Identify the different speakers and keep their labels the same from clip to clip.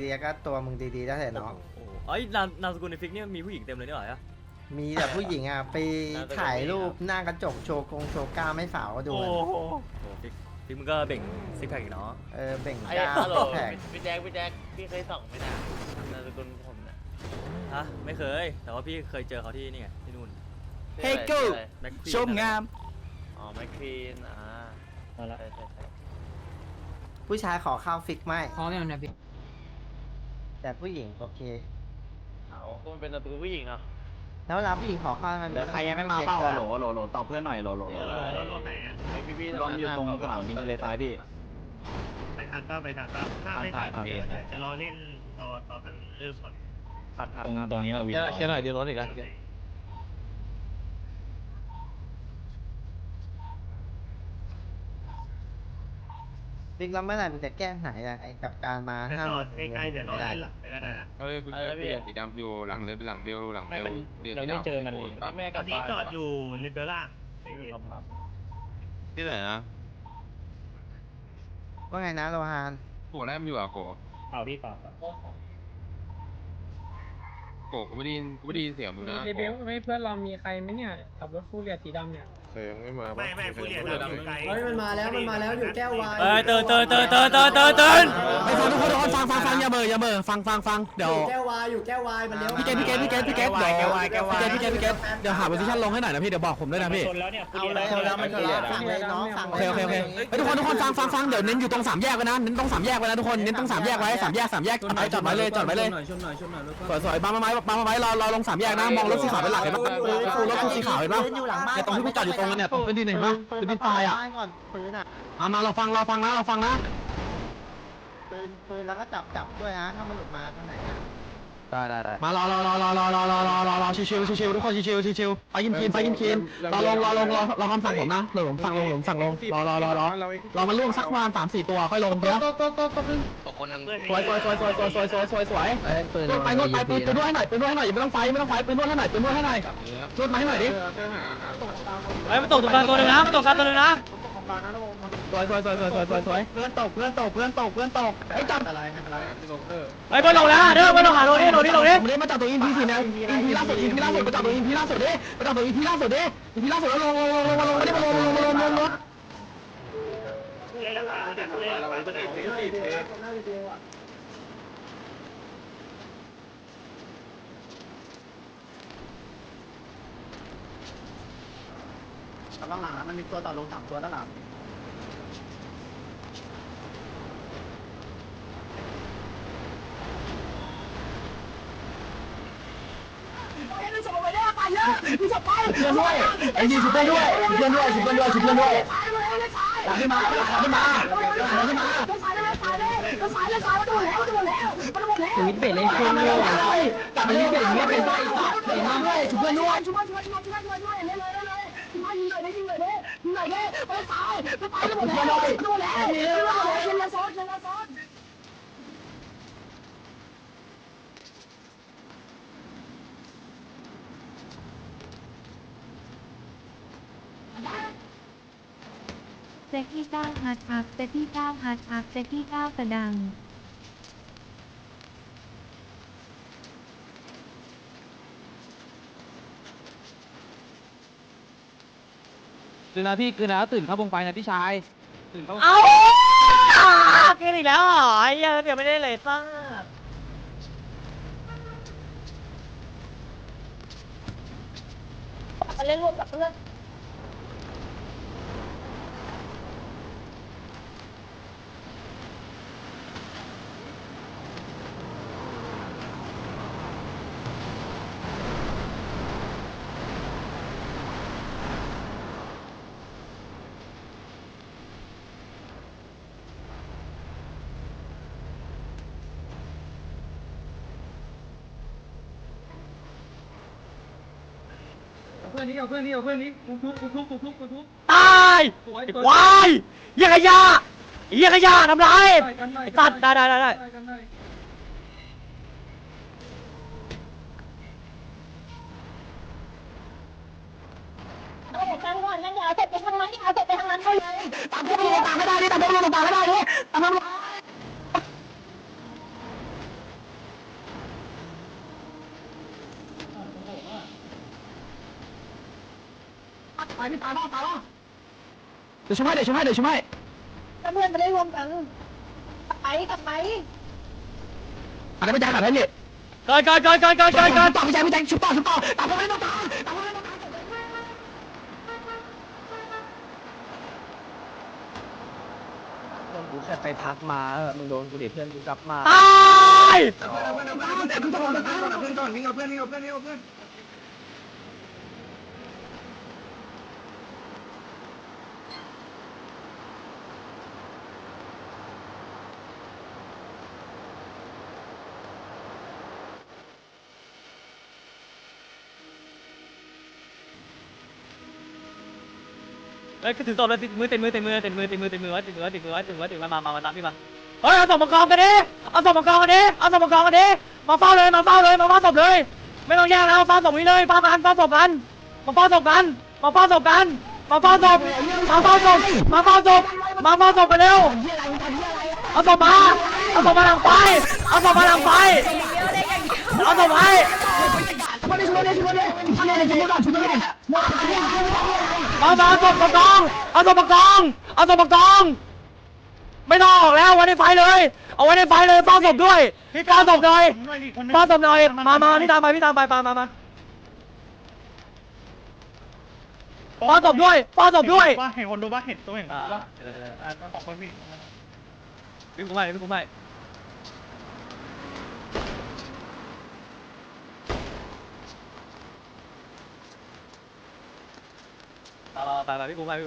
Speaker 1: ดีๆก็ตัวมึงดีๆได้แต่น้อง
Speaker 2: โอ้โหเอ้ยนามสกุลในฟิกเนี่ยมีผู้หญิงเต็มเลยนี่หว่า
Speaker 1: มีแต่ผู้หญิงอ่ะไปถ่ายรูปหน้ากระจกโชว์โชว์กล้ามไม่สาวก็ดู
Speaker 2: โอ้โหฟิกมึงก็เบ่งซิกแพคอีกเนาะ
Speaker 1: เบ่ง
Speaker 3: ไอ้
Speaker 1: กล้าม
Speaker 3: ฮัลโหล
Speaker 1: แผง
Speaker 3: พี่แจ็คพี่เคยส่องไหมนะนามสกุลผมนะ
Speaker 2: ฮะไม่เคยแต่ว่าพี่เคยเจอเขาที่นี่ไงที่นู่น
Speaker 3: เฮ้ยกู
Speaker 2: แม็กควีน
Speaker 4: ชมงาม
Speaker 3: อ๋อแมคควีน
Speaker 4: มาละ
Speaker 3: ใช่
Speaker 1: ผู้ชายขอข้าวฟิกไม่
Speaker 4: พร้อมยังเนี่ยพี่
Speaker 1: แต่ผู้หญิงโอเค
Speaker 3: เอาก็มันเป็นนามสกุลผู้หญิงอ่ะ
Speaker 1: แล้วรับผู้หญิงขอข้าวมัน
Speaker 4: เดี๋ยวใครยังไม่มาเป้าโหลตอบเพื่อนหน่อยโหล
Speaker 3: ไอพี่
Speaker 4: ลองอยู่ตรงสนามบินทะเลทรายพี่
Speaker 5: ไปทางก็ไปทางก็ถ้าไม่ถ่ายจะรอเล่นต่อกันเริ่มก่อน
Speaker 4: ตรงนี้เราวินเชื่อหน่อยดีรถอีกแล้ว
Speaker 1: ฟิกแล้วเมื่อไหร่มันจะแก้ไหนอะไอ้กับการมา
Speaker 5: ถ้า
Speaker 1: ห้าม
Speaker 5: รอใกล้ๆเดี๋ยวรอเล่นหลังไปก็ได้
Speaker 6: เอ้ยคุณเปลี่ยนสีดำอยู่หลังเรือหลังเบลหลังเบล
Speaker 4: เราไม่เจอกันเลย
Speaker 3: แม่
Speaker 5: ต
Speaker 3: กั
Speaker 5: อบ นนี้จอดอยู่ริเบล่า
Speaker 6: ที่ไหนนะ
Speaker 1: ว่าไงนะโลฮาน
Speaker 6: โกแรกมันอยู่อ่ะโก
Speaker 4: เปล่าพี่เปล่า
Speaker 6: โกกูไม่ได้ยินเสียงมึงนะ
Speaker 7: เบลไม่เพื่อนเรามีใครไหมเนี่ยขับรถฟูเรียสีดำเนี่ย
Speaker 6: เคยยังไม่มา
Speaker 5: ไม่ฟูเรียอยู่ไกล
Speaker 8: เฮ้ยมันมาแล้วอยู่แก้ววาย
Speaker 2: เอ้ยตื่น
Speaker 4: ไปฟังทุกคนฟังอย่าเบอฟังเดี๋ยว
Speaker 8: อยู่แก้ววายมันเลี้ยว
Speaker 4: พี่เกตเดี๋ยวหาโพซิชั่นลงให้หน่อยนะพี่เดี๋ยวบอกผมด้วยนะพี่
Speaker 1: เอาแล้วมันชนแล้วสั่งเลยน้องสั่ง
Speaker 4: โอเคทุกคนฟังเดี๋ยวเน้นอยู่ตรง3แยกไว้นะเน้นตรง3แยกไว้นะทุกคนเน้นตรง3แยกไว้3แยกจอดไว้เลยสวยๆมาไม้รอลง3แยกนะมองรถสีขาวเป็นหลักเห็นปะรถสีขาวเห็นปะ
Speaker 1: อยู่หลังบ้าน
Speaker 4: ตรงที่กูจอดอยู่ตรงนั้นเนี่ยเป็นที่ไหนปะเป็นที่ตายอ่ะ
Speaker 1: ก่อนปืนอ่ะ
Speaker 4: มาเราฟังนะ
Speaker 1: ปืนแล้วก็จับด้วยนะถ้ามันหลุดมาข้างไหน
Speaker 4: ได้มารอชิวทุกคนชิวไปกินรอคำสั่งผมนะผมสั่งลงรอมันล่วงสักประมาณ3-4ตัวค่อยลงเดี๋ยวสวยไปนวดไปปืนด้วยให้หน่อยอย่าไม่ต้องไฟปืนนวดให้หน่อยนวดมาให้หน่อยดิ
Speaker 2: เฮ้ยมันตกตรงกลางตัวนึงนะ
Speaker 4: สวยเพื่อนตกไอ้จับอะไร
Speaker 2: เฮ้ยบอลลงแล้วเด้อบอลลงหาโรนี่
Speaker 4: ผมได้มาจับตัวอินพีสินะอินพีล่าสุดมาจับตัวอินพีล่าสุดดิแล้วลงด้านหลังมันมีตัวต่อลง3ตัวด้านหลังไอ้นี่ชุบด้วยขึ้นมาวิทเบรเลยคนเลยกลับไปวิทเบรอย่างเงี้ยเป็นไส้เป็นน้ำด้วยชุบเพื่อนด้วย
Speaker 9: เซ็กที่9ฮัทอัพเซ็กที่9ฮัทอัพเซ็กที่9กระดัง
Speaker 4: ตื่นนะพี่ตื่นแล้วตื่นเข้าวงไฟนะพี่ชายตื่นเข้า
Speaker 2: เอ้าเกินอีกแล้วเหรอไอ้เหี้ยเดี๋ยวไม่ได้เลยซ่า
Speaker 9: เล่นรวมกับเพื่อน
Speaker 7: เพื่อนนี้ทุบ
Speaker 2: ตายไอ้ควายเหี้ยขยะทำไรไอ้ตัดได้
Speaker 9: กันก่อนงั้นอย่าเอาเสร็จไปทางนั้นเอาเสร็จไปทางนั้นเขาเลย
Speaker 4: ตามพวกนี้ตามไม่ได้ดิตามพวกนี้ตามไม่ได้ดิตามพวกนี้ตายพี่ตายบ้างเดี๋ยวช่วยเดี๋ยวช่วยเดี๋ยวช่วย
Speaker 7: ถ้าเพื่อนไม่ได้รวมกันกลับไป
Speaker 4: อะไรไม่ได้แบบนั้นเนี่ย
Speaker 2: เกิน
Speaker 4: ต่อไม่ใช่ชุบต่อตามผมไม่ต้องตามผมไม่ต้องตาม
Speaker 7: โดนกูแค่ไปพักมามึงโดนกูเดี๋ยวเพื่อนกูกลับมา
Speaker 2: ตาย
Speaker 4: เพื่อนก่อนวิ่งเอาเพื่อน
Speaker 2: เฮ้ยถือตัวเลยมือเต็มมือไว้มาตามพี่มาเฮ้ยเอาศพมากองกันดิเอาศพมากองกันดิมาเฝ้าเลยมาเฝ้าศพเลยไม่ต้องแยกแล้วเฝ้าศพนี้เลยเฝ้าศพกันมาเฝ้าศพกันมาเฝ้าศพกันเร็วเอาศพมาหลังไฟเอาศพมาไปเอาศพไปเอาศพมากองไม่ต้องออกแล้วไว้ในไฟเลยเอาไว้ในไฟเลยเฝ้าศพด้วยเฝ้าศพหน่อยมาพี่ตามไปมาเฝ้าศพด้วย
Speaker 5: ว่าเห็นคนดูว่าเห็นตัวเห็นว่าของคนพี่
Speaker 2: วิ่งกูไม่ไปพี่กูไม่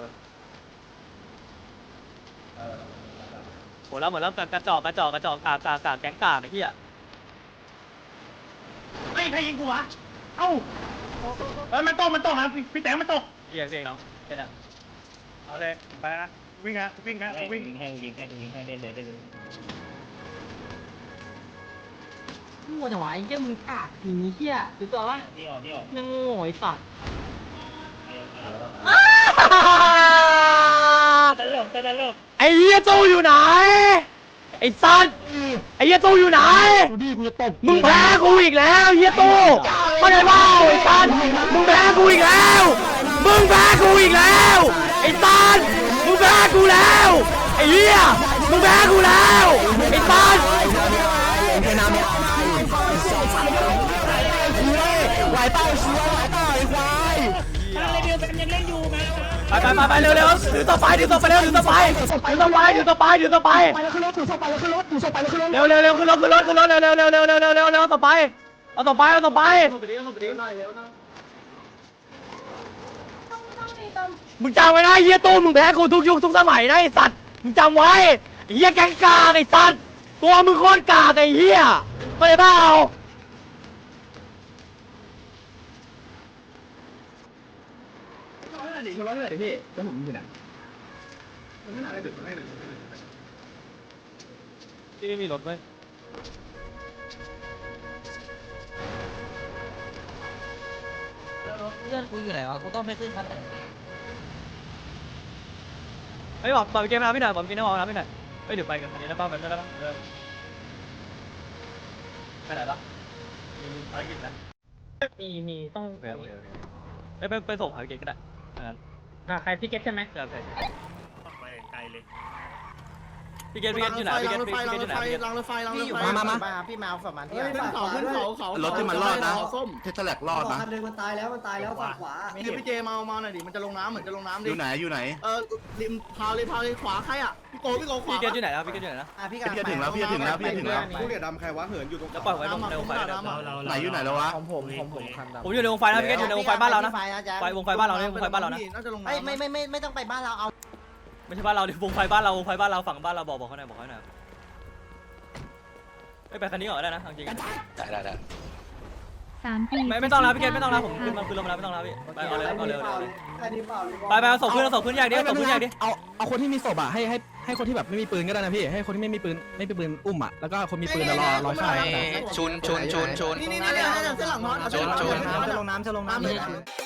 Speaker 2: หมดแล้วกระจอกกากแก๊งกากไอ้เหี้ย
Speaker 5: ใครยิงกูวะเอ้ามันตกนะพี่แตงมันตก
Speaker 2: เหี้ยเนาะแค่นั้น
Speaker 5: เอาเลยไปนะวิ่งยิงแห้งได้เลย
Speaker 7: มึงว่าจะไหวแค่มึงกากอย่างนี้เหี้ยถือตัววะ
Speaker 5: นี่ออก
Speaker 7: ยังโง่ไอ้สัตว์
Speaker 5: ตลก
Speaker 2: ไอ้เหี้ยตู้อยู่ไหนไอ้สัตว์ไอ้เหี้ยตู้อยู่ไหนมึงแพ้กูอีกแล้วเหี้ยตู้ไม่ได้เปล่าไอ้สัตว์มึงแพ้กูอีกแล้วไอ้สัตว์มึงแพ้กูแล้วไอ้เหี้ยมึงแพ้กูแล้วไอ้สัตว์ไหวเปล่าชัวร์ไหวเปล่าไอ้ควายไปเร็วถือต่อไปเร็วเร็วขึ้นรถเร็วต่อไปเอาต่อไปมึงจำไว้นะเฮียตู้มึงแพ้กูทุกยุคทุกสมัยนะไอ้สัตว์มึงจำไว้เฮียแก๊งกาไอ้สัตว์ตัวมึงโคตรกาไอ้เฮียไม่ได้เปล่าที่ไม่มีรถไหมเพื่อนกูอยู่ไหนวะกูต้องไปขึ้นคันไหนเฮ้ยบอกเกมนะพี่หน่อยบอกกินน้ำมันนะพี่หน่อยเฮ้ยเดี๋ยวไปกันอันนี้แล้วป้าไปแล้วไปไหนล่ะมีภารกิจนะ
Speaker 7: มีต้อง
Speaker 2: ไปส่งภารกิจก็ได้
Speaker 7: ใครพี่เก็ตใช่ไหม
Speaker 5: ไปไกลเลย
Speaker 2: พี่เกตอยู่ไหนพี่เกตอยู่ไหน
Speaker 1: พี่อยู่มาพี่มาเอาสมันที่
Speaker 8: ขึ้นเขา
Speaker 4: รถที่มันรอดนะเทสแลกรอดนะ
Speaker 8: คันหนึ่งมันตายแล้วฝั่งขวา
Speaker 1: พี่เจมาหน่อยดิมันจะลงน้ำเหมือนจะลงน้ำดิ
Speaker 4: อยู่ไหน
Speaker 1: ริมพาวเลยขวาใครอ่ะพี่โกขวา
Speaker 2: พี่เกตอยู่ไหนนะพี่เกตอยู่ไหนนะ
Speaker 4: พี่จะถึงแล้ว
Speaker 1: ผู้เหลี่ยดำใครวะเหินอยู่ตรง
Speaker 2: แล้วปล่อยไว้ตรงในวงไฟ
Speaker 4: ไหนอยู่ไหนแล้ววะ
Speaker 1: ของผมคันดำ
Speaker 2: ผมอยู่ในวงไฟนะพี่เกตอยู่ในวงไฟบ้านเรานะไฟวงไฟบ้านเราเนี่ยวงไฟบ้านเรานะ
Speaker 1: น่าจะลงน้ำไม่ต้องไปบ้านเราเอา
Speaker 2: ไม่ใช่บ้านเราดิวงไฟบ้านเราฝั่งบ้านเราบอกเขาหน่อยไปคันนี้ก่อนได้นะจริง
Speaker 6: ได้
Speaker 9: 3 ปี
Speaker 2: ไม่ต้องแล้วพี่เกตไม่ต้องแล้วผมขึ้นลงมาแล้วไม่ต้องแล้วพี่ไปเอาเลย
Speaker 8: แค่นี้เปล่า
Speaker 2: ไปเอาศพขึ้นแยกดิ
Speaker 4: เอาคนที่มีศพอ่ะให้คนที่แบบไม่มีปืนก็ได้นะพี่ให้คนที่ไม่มีปืนอุ้มอ่ะแล้วก็คนมีปืนรอฆ่า
Speaker 6: ชุน
Speaker 1: นี่เส้นหลังมอสจะลงน้ำ